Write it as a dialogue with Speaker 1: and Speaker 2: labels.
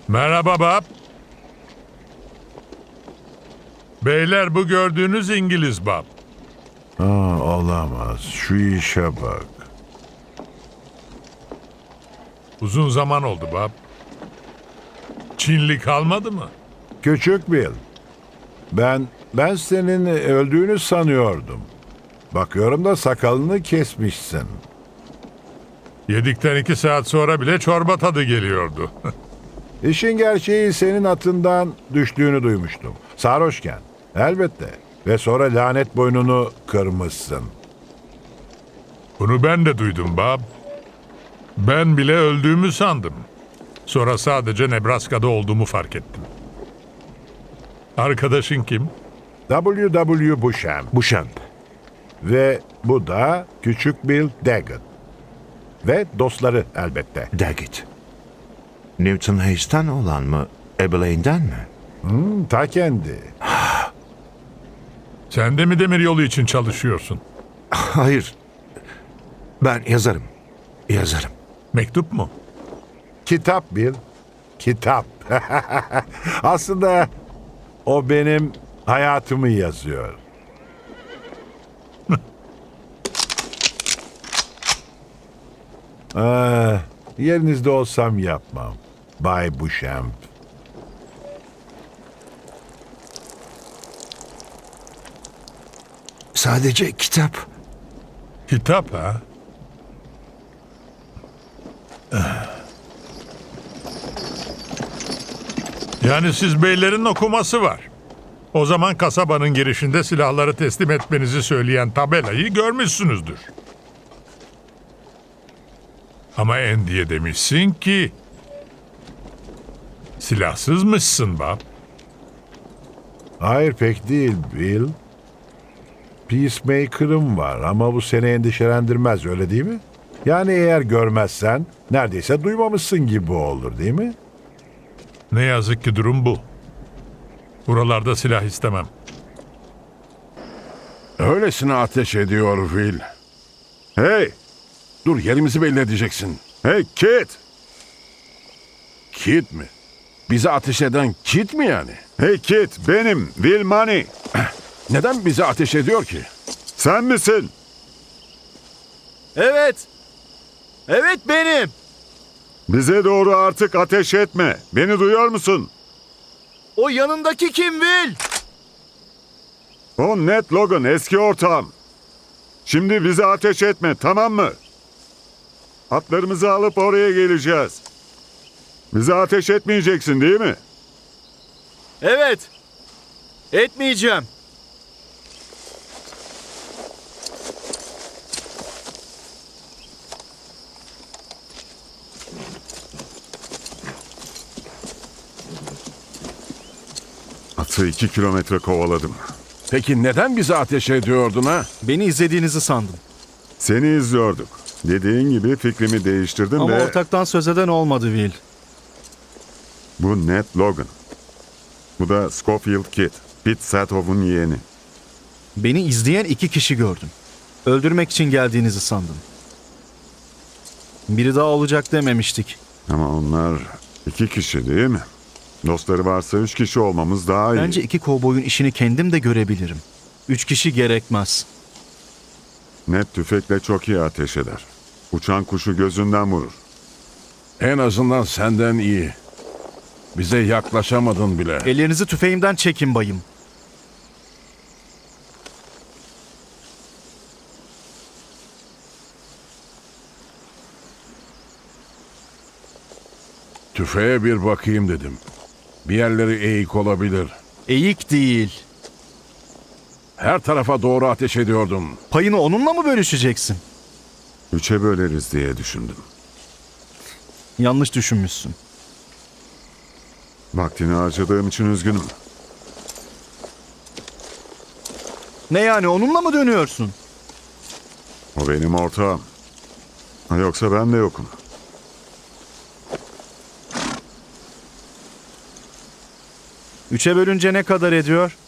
Speaker 1: Merhaba Bob. Beyler bu gördüğünüz İngiliz Bob.
Speaker 2: Olamaz. Şu işe bak.
Speaker 1: Uzun zaman oldu Bob. Çinli kalmadı mı?
Speaker 2: Küçük Bill. Ben senin öldüğünü sanıyordum. Bakıyorum da sakalını kesmişsin.
Speaker 1: Yedikten 2 saat sonra bile çorba tadı geliyordu.
Speaker 2: İşin gerçeği senin atından düştüğünü duymuştum. Sarhoşken. Elbette. Ve sonra lanet boynunu kırmışsın.
Speaker 1: Bunu ben de duydum Bob. Ben bile öldüğümü sandım. Sonra sadece Nebraska'da olduğumu fark ettim. Arkadaşın kim?
Speaker 2: W.W. Beauchamp.
Speaker 3: Beauchamp.
Speaker 2: Ve bu da Küçük Bill Daggett. Ve dostları elbette.
Speaker 3: Daggett. Newton Hayes'ten olan mı? Abilene'den mi?
Speaker 2: Ta kendi.
Speaker 1: Sen de mi demiryolu için çalışıyorsun?
Speaker 3: Hayır. Ben yazarım. Yazarım.
Speaker 1: Mektup mu?
Speaker 2: Kitap Bill. Kitap. Aslında o benim hayatımı yazıyor. Yerinizde olsam yapmam. Bay Beauchamp.
Speaker 3: Sadece kitap.
Speaker 1: Kitap ha? Yani siz beylerin okuması var. O zaman kasabanın girişinde silahları teslim etmenizi söyleyen tabelayı görmüşsünüzdür. Ama Andy'ye demişsin ki silahsızmışsın Bob.
Speaker 2: Hayır pek değil Bill. Peacemaker'ım var ama bu seni endişelendirmez öyle değil mi? Yani eğer görmezsen neredeyse duymamışsın gibi olur değil mi?
Speaker 1: Ne yazık ki durum bu. Buralarda silah istemem.
Speaker 4: Öylesine ateş ediyor Will. Hey! Dur yerimizi belli edeceksin. Hey Kit! Kit mi? Bize ateş eden Kit mi yani?
Speaker 5: Hey Kit, benim Will Money.
Speaker 4: Neden bize ateş ediyor ki?
Speaker 5: Sen misin?
Speaker 6: Evet. Evet benim.
Speaker 5: Bize doğru artık ateş etme. Beni duyuyor musun?
Speaker 6: O yanındaki kim Will?
Speaker 5: O Ned Logan, eski ortağım. Şimdi bize ateş etme, tamam mı? Atlarımızı alıp oraya geleceğiz. Bize ateş etmeyeceksin değil mi?
Speaker 6: Evet. Etmeyeceğim.
Speaker 5: Atı 2 kilometre kovaladım.
Speaker 4: Peki neden bize ateş ediyordun ha?
Speaker 6: Beni izlediğinizi sandım.
Speaker 5: Seni izliyorduk. Dediğin gibi fikrimi değiştirdim
Speaker 6: Ama
Speaker 5: ve
Speaker 6: ortaktan söz eden olmadı Will.
Speaker 5: bu Ned Logan. Bu da Schofield Kid, Pete Satov'un yeğeni.
Speaker 6: Beni izleyen 2 kişi gördüm. Öldürmek için geldiğinizi sandım. Biri daha olacak dememiştik.
Speaker 5: Ama onlar 2 kişi değil mi? Dostları varsa 3 kişi olmamız daha iyi.
Speaker 6: Bence 2 kovboyun işini kendim de görebilirim. 3 kişi gerekmez.
Speaker 5: Ned tüfekle çok iyi ateş eder. Uçan kuşu gözünden vurur.
Speaker 4: En azından senden iyi. Bize yaklaşamadın bile.
Speaker 6: Ellerinizi tüfeğimden çekin bayım.
Speaker 4: Tüfeğe bir bakayım dedim. Bir yerleri eğik olabilir.
Speaker 6: Eğik değil.
Speaker 4: Her tarafa doğru ateş ediyordum.
Speaker 6: Payını onunla mı bölüşeceksin?
Speaker 5: 3'e böleriz diye düşündüm.
Speaker 6: Yanlış düşünmüşsün.
Speaker 5: Vaktini harcadığım için üzgünüm.
Speaker 6: Ne yani onunla mı dönüyorsun?
Speaker 5: O benim ortağım. Yoksa ben de yokum.
Speaker 6: Üçe bölünce ne kadar ediyor?